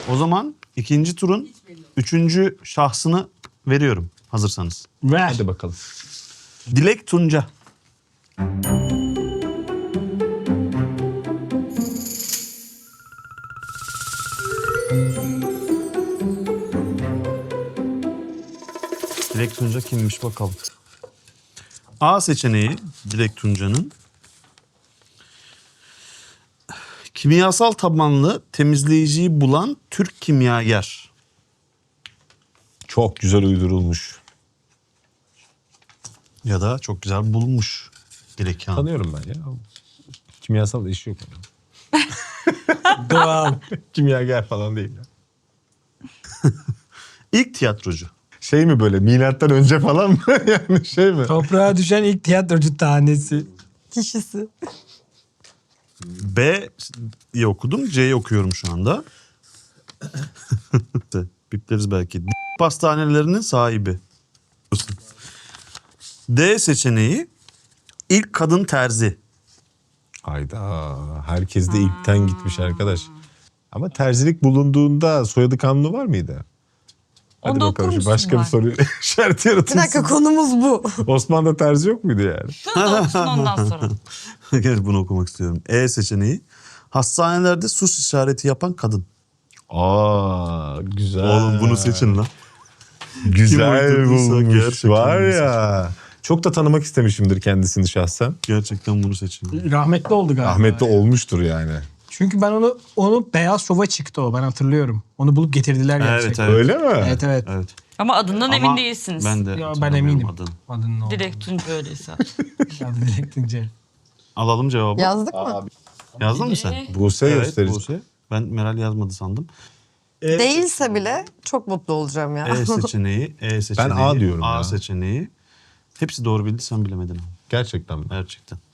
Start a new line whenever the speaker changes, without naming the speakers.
O zaman ikinci turun üçüncü şahsını veriyorum hazırsanız.
Ver.
Hadi bakalım.
Dilek Tunca. Dilek Tunca kimmiş bakalım. A seçeneği Dilek Tunca'nın kimyasal tabanlı temizleyiciyi bulan Türk kimyager.
Çok güzel uydurulmuş.
Ya da çok güzel bulmuş Dilek Hanım.
Tanıyorum ben ya. Kimyasal işi yok.
Doğal.
Kimyager falan değil ya.
İlk tiyatrocu.
Şey mi böyle milattan önce falan mı? Yani şey mi?
Toprağa düşen ilk tiyatrocu tanesi.
Kişisi.
B'yi okudum. C'yi okuyorum şu anda. Bipleriz belki. Pastanelerinin sahibi. D seçeneği ilk kadın terzi.
Hayda. Herkes de ilkten gitmiş arkadaş. Ama terzilik bulunduğunda soyadı kanunu var mıydı? Hadi
Onu da
bakalım şu
okur
başka bir
musun
soru işareti
Bir
yaratılsın.
dakika konumuz bu.
Osmanlı'da terzi yok muydu yani?
Şunu da okusun ondan sonra.
Gel bunu okumak istiyorum. E seçeneği hastanelerde sus işareti yapan kadın.
Aa güzel.
Oğlum bunu seçin lan.
Güzel
Kim uydurduysa
bulmuş.
gerçekten
Var
bunu
ya. Çok da tanımak istemişimdir kendisini şahsen.
Gerçekten bunu seçin.
Rahmetli oldu galiba.
Ahmet'te olmuştur yani.
Çünkü ben onu Beyaz Şov'a çıktı o, ben hatırlıyorum. Onu bulup getirdiler gerçekten.
Evet.
Öyle mi?
Evet evet.
Evet.
Ama adından
Ama
emin değilsiniz.
Ben de
Ya ben
tanımıyorum
eminim.
adını.
Adının ne oldu?
Direkt Tunca öyleyse.
Adı Dilek Tunca.
Alalım cevabı.
Yazdık mı?
Yazdın mı sen?
Buse
Evet
gösterici.
Buse. Ben Meral yazmadı sandım.
Değilse bile çok mutlu olacağım ya.
E seçeneği, E seçeneği,
A diyorum
A
ya.
seçeneği. Hepsi doğru bildi sen bilemedin.
Gerçekten mi?
Gerçekten.